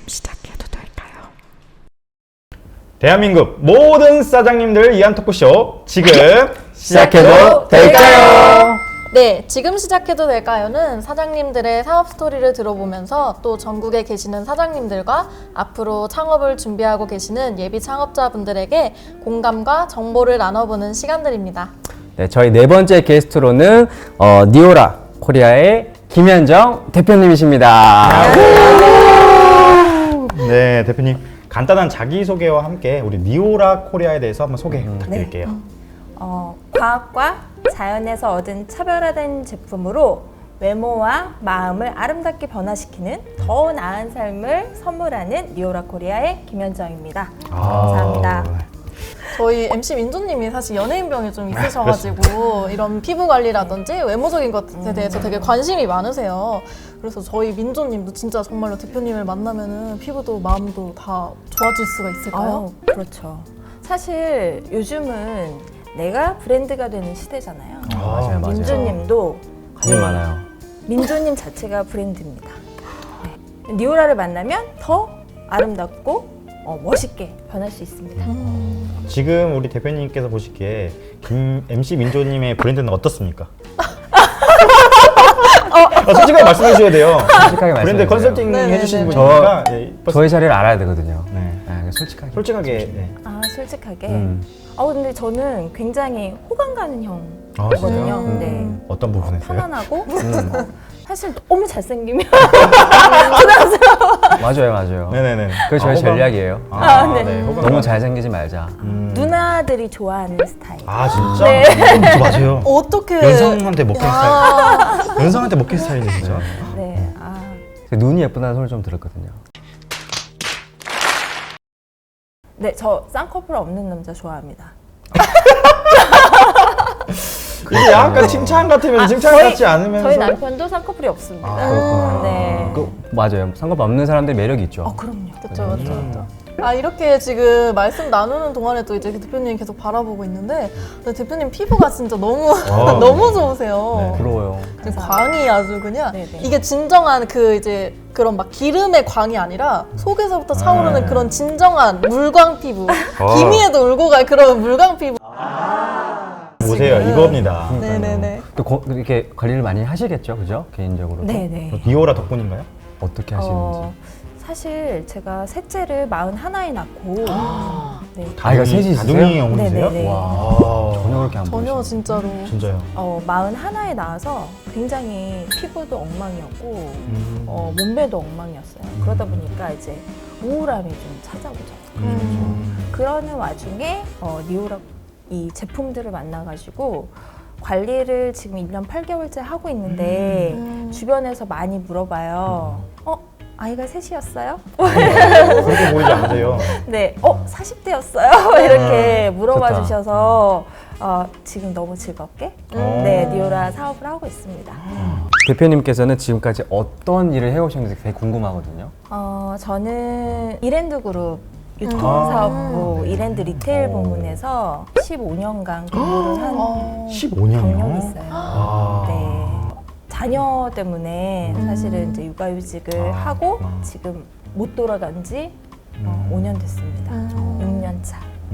시작해도 될까요? 대한민국 모든 사장님들 위한 토크쇼 지금 시작해도 될까요? 네, 지금 시작해도 될까요는 사장님들의 사업 스토리를 들어보면서 또 전국에 계시는 사장님들과 앞으로 창업을 준비하고 계시는 예비 창업자분들에게 공감과 정보를 나눠보는 시간들입니다. 네, 저희 네 번째 게스트로는 니오라 코리아의 김현정 대표님이십니다. 네 대표님 간단한 자기소개와 함께 우리 니오라 코리아에 대해서 한번 소개 부탁드릴게요. 과학과 자연에서 얻은 차별화된 제품으로 외모와 마음을 아름답게 변화시키는 더 나은 삶을 선물하는 니오라 코리아의 김현정입니다. 감사합니다. 저희 MC 민조님이 사실 연예인병이 좀 있으셔가지고 이런 피부 관리라든지 외모적인 것에 대해서 되게 관심이 많으세요. 그래서 저희 민조님도 진짜 정말로 대표님을 만나면은 피부도 마음도 다 좋아질 수가 있을까요? 그렇죠. 사실 요즘은 내가 브랜드가 되는 시대잖아요. 맞아요. 민조님도 관심 많아요. 민조님 자체가 브랜드입니다. 네. 니오라를 만나면 더 아름답고 멋있게 변할 수 있습니다. 지금 우리 대표님께서 보시기에 MC 민조님의 브랜드는 어떻습니까? 솔직하게 말씀해 주셔야 돼요. 솔직하게 말씀해 브랜드 주세요. 컨설팅 네네네. 해주시는 분이니까 예, 저의 자리를 알아야 되거든요. 네. 솔직하게. 솔직하게 네. 솔직하게. 근데 저는 굉장히 호감 가는 형이거든요. 진짜요? 네. 어떤 부분에서요? 편안하고 사실 너무 잘생기면 맞아요. 네네네. 그게 저희 호감? 전략이에요. 네. 호감 너무 잘생기지 말자. 누나들이 좋아하는 스타일. 진짜? 네. 맞아요. 어떻게 연상한테 먹힌 스타일. 연상한테 먹힌 스타일이네 진짜. 네. 눈이 예쁘다는 소리 좀 들었거든요. 네, 저 쌍꺼풀 없는 남자 좋아합니다. 이게 약간 칭찬 같으면 칭찬 같지 않으면서. 저희 남편도 쌍꺼풀이 없습니다. 그렇구나. 네. 맞아요. 상관없는 없는 사람들 매력이 있죠. 그럼요. 그렇죠. 이렇게 지금 말씀 나누는 동안에 또 이제 대표님 계속 바라보고 있는데 대표님 피부가 진짜 너무 너무 좋으세요. 네. 부러워요. 지금 광이 아주 그냥 네네. 이게 진정한 그 이제 그런 막 기름의 광이 아니라 속에서부터 차오르는 그런 진정한 물광 피부. 기미에도 울고 갈 그런 물광 피부. 보세요 이겁니다. 네네네. 또 이렇게 관리를 많이 하시겠죠, 그죠? 개인적으로. 네네. 니오라 덕분인가요? 어떻게 하시는지. 사실 제가 셋째를 41에 낳고 네. 아이가 셋이 있으세요? 다둥이 어머니세요? 네네네. 와, 전혀 그렇게 안 전혀 보이시네요. 진짜로. 진짜요? 41에 낳아서 굉장히 피부도 엉망이었고 몸매도 엉망이었어요. 그러다 보니까 이제 우울함이 좀 찾아오죠. 그러는 와중에 니오라 이 제품들을 만나가지고 관리를 지금 1년 8개월째 하고 있는데 주변에서 많이 물어봐요. 아이가 셋이었어요? 그렇게 보이지 않으세요? 네, 40대였어요? 이렇게 물어봐 좋다. 주셔서 지금 너무 즐겁게 네, 니오라 사업을 하고 있습니다. 대표님께서는 지금까지 어떤 일을 해오셨는지 되게 궁금하거든요. 저는 이랜드 그룹 유통사업부 이랜드 리테일 부문에서 15년간 근무를 한 15년이요? 경력이 있어요. 네. 자녀 때문에 사실은 이제 육아휴직을 하고 지금 못 돌아간 지 5년 됐습니다. 6년 차.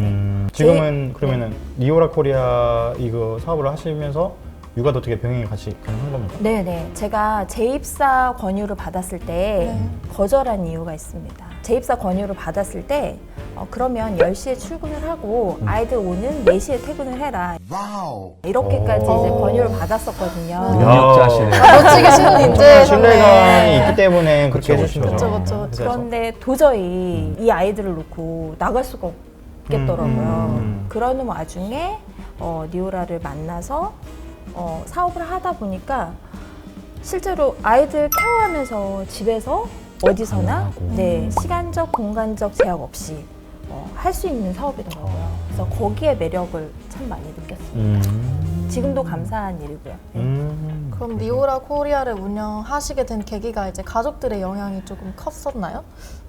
지금은 그러면은 니오라 코리아 이거 사업을 하시면서 육아도 어떻게 병행이 같이 가능한 겁니까? 네네. 제가 재입사 권유를 받았을 때 거절한 이유가 있습니다. 재입사 권유를 받았을 때 그러면 10시에 출근을 하고 아이들 오는 4시에 퇴근을 해라. 이렇게까지 이제 권유를 받았었거든요. 능력자시네요. 멋지게 신은 엄청난 인재. 신뢰감이 있기 때문에 그렇게 그쵸, 해주신 거죠. 그쵸, 그쵸. 회사에서. 그런데 도저히 이 아이들을 놓고 나갈 수가 없겠더라고요. 그러는 와중에 니오라를 만나서 사업을 하다 보니까 실제로 아이들 케어하면서 집에서 어디서나 네, 시간적, 공간적 제약 없이 할 수 있는 사업이더라고요. 그래서 거기에 매력을 참 많이 느꼈습니다. 지금도 감사한 일이고요. 그럼 니오라 코리아를 운영하시게 된 계기가 이제 가족들의 영향이 조금 컸었나요?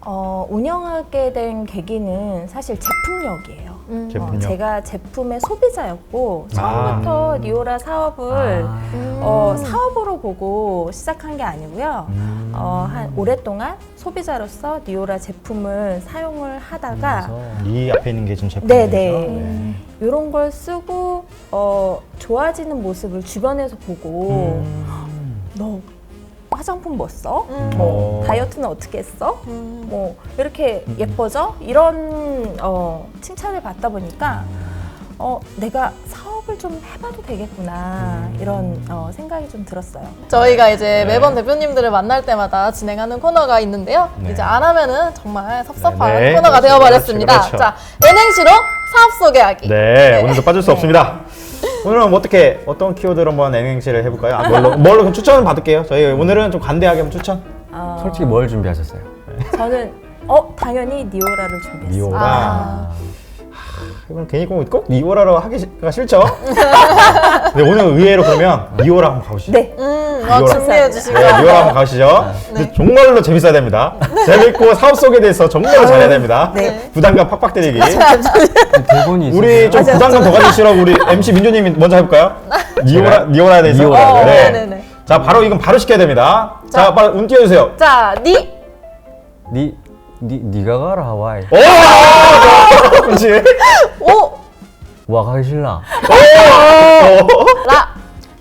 운영하게 된 계기는 사실 제품력이에요. 제품력. 제가 제품의 소비자였고 처음부터 니오라 사업을 사업으로 보고 시작한 게 아니고요. 한 오랫동안 소비자로서 니오라 제품을 사용을 하다가 이 앞에 있는 게 지금 제품이죠? 네네. 이런 걸 쓰고 좋아지는 모습을 주변에서 보고 너 화장품 뭐 써? 뭐 다이어트는 어떻게 했어? 뭐 이렇게 예뻐져? 이런 칭찬을 받다 보니까 내가 사업을 좀 해봐도 되겠구나 이런 생각이 좀 들었어요. 저희가 이제 매번 대표님들을 만날 때마다 진행하는 코너가 있는데요. 네. 이제 안 하면은 정말 섭섭한 네, 코너가 그렇죠, 되어버렸습니다. 그렇죠. 자, N행시로 사업 소개하기. 네, 오늘도 빠질 수 없습니다. 오늘은 어떤 키워드로 한번 N행시를 해볼까요? 뭘로 그럼 추천을 받을게요. 저희 오늘은 좀 관대하게 한번 추천. 솔직히 뭘 준비하셨어요? 저는 당연히 니오라를 준비했어요. 니오라. 이건 괜히 꼭 니오라로 하기가 싫죠? 네, 오늘 의외로 그러면 니오라 한번 가보시죠. 네. 니오라. 준비해 주시고. 네, 니오라 한번 가시죠. 근데 정말로 재밌어야 됩니다. 재밌고 사업 속에 대해서 정말로 잘해야 됩니다. 네. 부담감 팍팍 때리기. 대본이 있어요. 우리 좀 부담감 더 가지시라고 우리 MC 민조님이 먼저 해볼까요? 니오라에 대해서. 니오라. 네. 네네네. 자, 바로 이건 바로 시켜야 됩니다. 자, 빨리 운 띄워주세요. 자, 니가 가라 하와이. 오! 그렇지. 오! 와 가기 싫나? 라!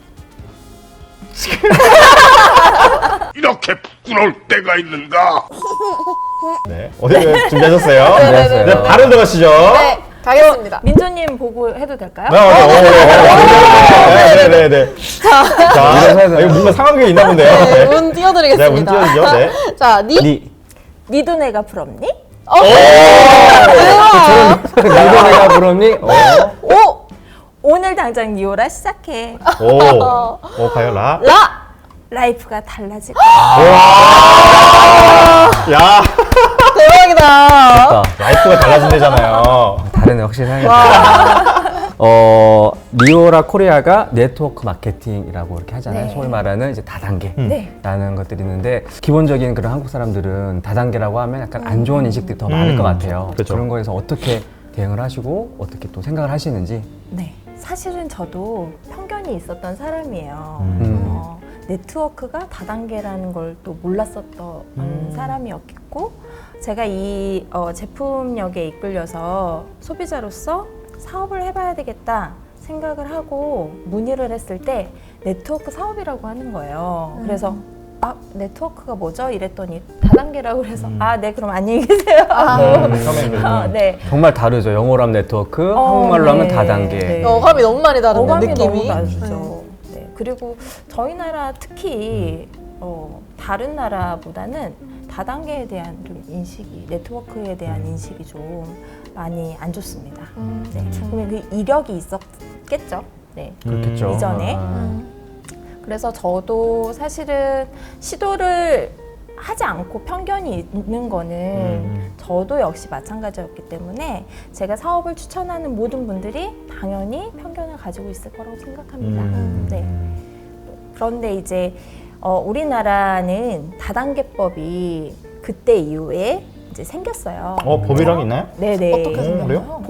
이렇게 부끄러울 때가 있는가? 네, 어디 준비하셨어요? 준비했어요. 네, 바로 들어가시죠. 네, 가겠습니다. 민조님 보고 해도 될까요? 네네네. 자, 이거 뭔가 상황극이 있나 본데요. 네, 네. 운 띄워드리겠습니다. 네, 운 띄워주죠. 네. 자, 니 도네가 부럽니? 니가 부럽니? 오! 오늘 당장 니오라 시작해. 오, 과연 라? 라! 라이프가 달라질 야, 대박이다. 라이프가 달라진대잖아요. 다른 확실히 사야겠다. 니오라 코리아가 네트워크 마케팅이라고 이렇게 하잖아요. 네. 소위 말하는 이제 다단계라는 네. 것들이 있는데 기본적인 그런 한국 사람들은 다단계라고 하면 약간 안 좋은 인식들이 더 많을 것 같아요. 그렇죠. 그런 거에서 어떻게 대응을 하시고 어떻게 또 생각을 하시는지. 네. 사실은 저도 편견이 있었던 사람이에요. 음. 네트워크가 다단계라는 걸 또 몰랐었던 사람이었고 제가 이 제품력에 이끌려서 소비자로서 사업을 해봐야 되겠다 생각을 하고 문의를 했을 때 네트워크 사업이라고 하는 거예요. 그래서 네트워크가 뭐죠? 이랬더니 다단계라고 그래서 네 그럼 안녕히 계세요 하고 처음에는 네. 정말 다르죠. 영어로 하면 네트워크, 한국말로 하면 네. 다단계. 네. 어감이 너무 많이 다른데, 어감이 느낌이. 너무 다르죠. 네. 그리고 저희 나라 특히 다른 나라보다는 다단계에 대한 좀 인식이, 네트워크에 대한 인식이 좀 많이 안 좋습니다. 네. 그러면 그 이력이 있었겠죠. 네. 그렇겠죠. 이전에. 그래서 저도 사실은 시도를 하지 않고 편견이 있는 거는 저도 역시 마찬가지였기 때문에 제가 사업을 추천하는 모든 분들이 당연히 편견을 가지고 있을 거라고 생각합니다. 네. 그런데 이제 우리나라는 다단계법이 그때 이후에 이제 생겼어요. 법이랑 있나요? 네네. 어떻게 생겼나요? 그래요?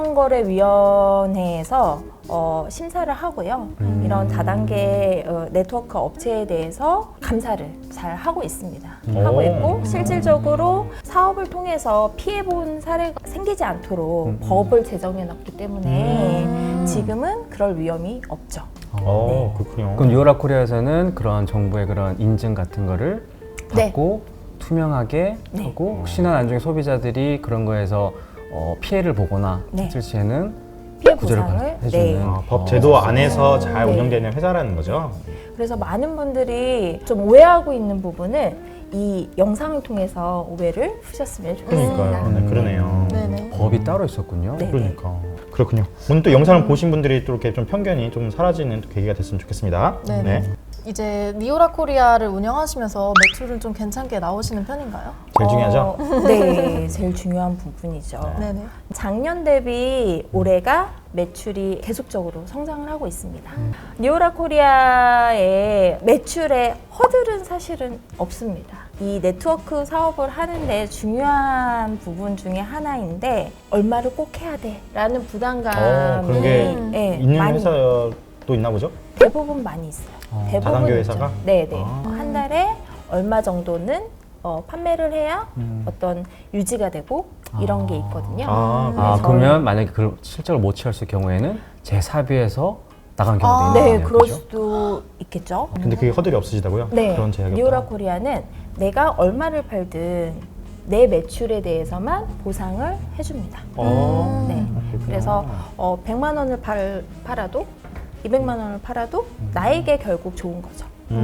공정거래위원회에서 심사를 하고요. 이런 다단계 네트워크 업체에 대해서 감사를 잘 하고 있습니다. 하고 있고 실질적으로 사업을 통해서 피해본 사례가 생기지 않도록 법을 제정해놨기 때문에 지금은 그럴 위험이 없죠. 네. 그렇군요. 그럼 니오라 코리아에서는 그런 정부의 그런 인증 같은 거를 네. 받고 투명하게 네. 하고 혹시나 나중에 소비자들이 그런 거에서 피해를 보거나 네. 했을 시에는 피해 구제를 보상을 해주는 법 제도 안에서 잘 네. 운영되는 회사라는 거죠. 그래서 많은 분들이 좀 오해하고 있는 부분을 이 영상을 통해서 오해를 푸셨으면 좋겠습니다. 그러니까요. 네, 그러네요. 네네. 법이 따로 있었군요. 네. 그러니까 그렇군요. 오늘 또 영상을 보신 분들이 또 이렇게 좀 편견이 좀 사라지는 또 계기가 됐으면 좋겠습니다. 네네. 이제 니오라 코리아를 운영하시면서 매출은 좀 괜찮게 나오시는 편인가요? 제일 중요하죠. 네, 제일 중요한 부분이죠. 네네. 작년 대비 올해가 매출이 계속적으로 성장을 하고 있습니다. 니오라 코리아의 매출의 허들은 사실은 없습니다. 이 네트워크 사업을 하는데 중요한 부분 중에 하나인데 얼마를 꼭 해야 돼 라는 부담감이 그런 게 네, 있는 많이 회사도 있나 보죠? 대부분 많이 있어요. 대부분 다단계 회사가? 네네. 한 달에 얼마 정도는 판매를 해야 어떤 유지가 되고 이런 게 있거든요. 아, 그러면 만약에 그걸 실제로 못 채웠을 경우에는 재사비에서 나간 경우도 있는 네, 거네요. 그럴 그죠? 수도 있겠죠. 근데 그게 허들이 없으시다고요? 네, 그런 제약이 니오라 없다. 코리아는 내가 얼마를 팔든 내 매출에 대해서만 보상을 해줍니다. 어. 네. 그래서 100만 원을 팔아도 200만 원을 팔아도 나에게 결국 좋은 거죠.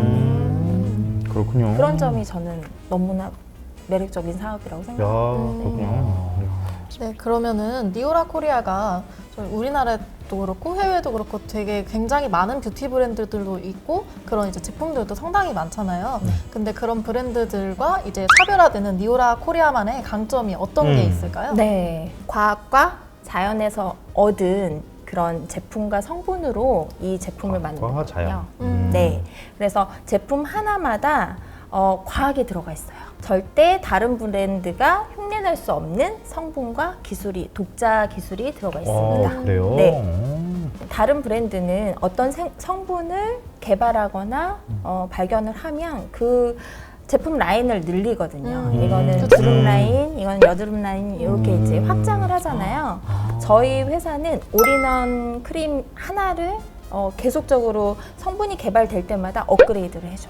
그렇군요. 그런 점이 저는 너무나 매력적인 사업이라고 야, 생각합니다. 그렇군요. 네, 그러면은 니오라 코리아가 저희 우리나라도 그렇고 해외도 그렇고 되게 굉장히 많은 뷰티 브랜드들도 있고 그런 이제 제품들도 상당히 많잖아요. 근데 그런 브랜드들과 이제 차별화되는 니오라 코리아만의 강점이 어떤 게 있을까요? 네, 과학과 자연에서 얻은 그런 제품과 성분으로 이 제품을 과학과 자연. 만들거든요. 네, 그래서 제품 하나마다 과학이 들어가 있어요. 절대 다른 브랜드가 흉내낼 수 없는 성분과 기술이, 독자 기술이 들어가 있습니다. 그래요? 네. 다른 브랜드는 어떤 성분을 개발하거나 발견을 하면 그 제품 라인을 늘리거든요. 이거는 주름 라인, 이건 여드름 라인 이렇게 이제 확장을 하잖아요. 저희 회사는 올인원 크림 하나를 계속적으로 성분이 개발될 때마다 업그레이드를 해줘요.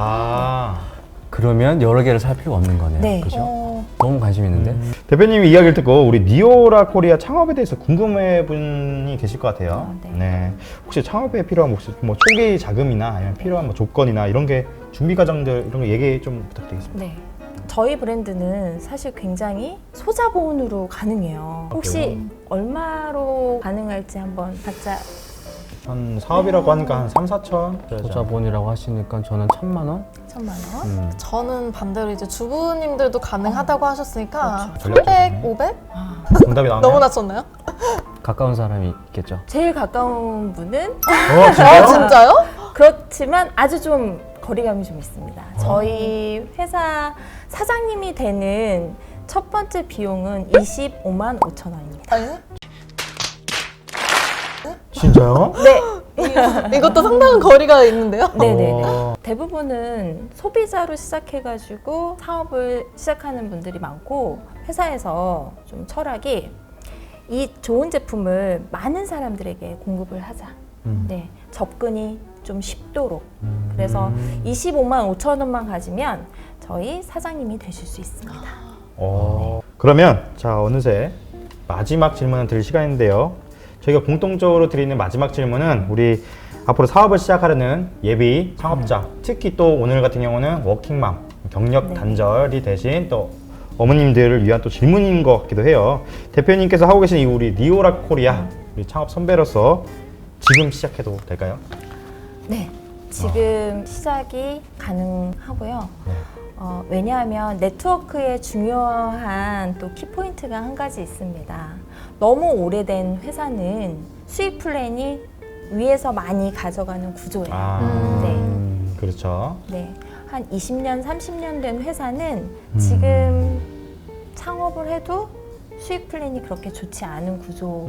그러면 여러 개를 살 필요가 없는 거네요. 네. 그죠? 너무 관심 있는데. 대표님이 이야기를 듣고 우리 니오라 코리아 창업에 대해서 궁금해 분이 계실 것 같아요. 네. 혹시 창업에 필요한 혹시 뭐 초기 자금이나 아니면 필요한 뭐 조건이나 이런 게 준비 과정들 이런 거 얘기 좀 부탁드리겠습니다. 네. 저희 브랜드는 사실 굉장히 소자본으로 가능해요. 혹시 얼마로 가능할지 한번 각자 한 사업이라고 하니까 한 3, 4천? 소자본이라고 하시니까 저는 1,000만 원? 1,000만 원? 저는 반대로 이제 주부님들도 가능하다고 하셨으니까 그렇죠. 300, 500? 정답이 나오네요. 너무 낮췄나요? 가까운 사람이 있겠죠. 제일 가까운 분은 진짜요? 진짜요? 그렇지만 아주 좀 거리감이 좀 있습니다. 저희 회사 사장님이 되는 첫 번째 비용은 25만 5천 원입니다. 아니, 진짜요? 네, 이것도 상당한 거리가 있는데요? 네네네. 어. 대부분은 소비자로 시작해가지고 사업을 시작하는 분들이 많고 회사에서 좀 철학이 이 좋은 제품을 많은 사람들에게 공급을 하자. 네, 접근이 좀 쉽도록. 그래서 25만 5천 원만 가지면 저희 사장님이 되실 수 있습니다. 그러면 자 어느새 마지막 질문을 드릴 시간인데요. 저희가 공통적으로 드리는 마지막 질문은 우리 앞으로 사업을 시작하려는 예비 창업자, 특히 또 오늘 같은 경우는 워킹맘, 경력 단절이 되신 또 어머님들을 위한 또 질문인 것 같기도 해요. 대표님께서 하고 계신 이 우리 니오라 코리아 우리 창업 선배로서 지금 시작해도 될까요? 네, 지금 시작이 가능하고요. 왜냐하면 네트워크에 중요한 또 키포인트가 한 가지 있습니다. 너무 오래된 회사는 수익 플랜이 위에서 많이 가져가는 구조예요. 네. 그렇죠. 네. 한 20년, 30년 된 회사는 지금 창업을 해도 수익 플랜이 그렇게 좋지 않은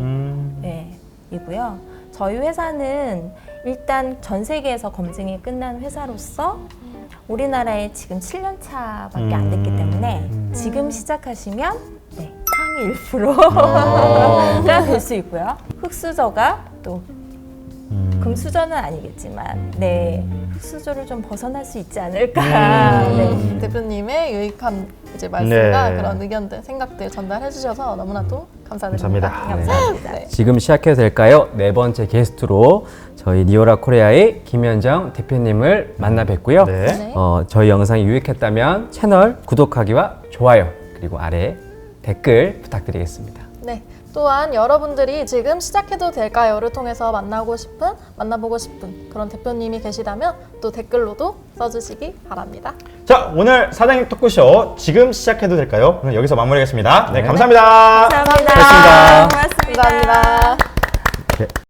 구조이고요. 저희 회사는 일단 전 세계에서 검증이 끝난 회사로서 우리나라에 지금 7년 차밖에 안 됐기 때문에 지금 시작하시면 상위 1%가 될 수 있고요. 흑수저가 또 금수저는 아니겠지만 흑수저를 좀 벗어날 수 있지 않을까. 네. 대표님의 유익한 이제 말씀과 네. 그런 의견들, 생각들 전달해 주셔서 너무나도 감사드립니다. 감사합니다. 감사합니다. 네. 지금 시작해도 될까요? 네 번째 게스트로 저희 니오라 코리아의 김현정 대표님을 만나 뵙고요. 네. 저희 영상이 유익했다면 채널 구독하기와 좋아요 그리고 아래 댓글 부탁드리겠습니다. 네. 또한 여러분들이 지금 시작해도 될까요?를 통해서 만나보고 싶은 그런 대표님이 계시다면 또 댓글로도 써주시기 바랍니다. 자 오늘 사장님 토크쇼 지금 시작해도 될까요? 오늘 여기서 마무리하겠습니다. 네, 네. 감사합니다. 감사합니다. 고맙습니다. 고맙습니다. 감사합니다.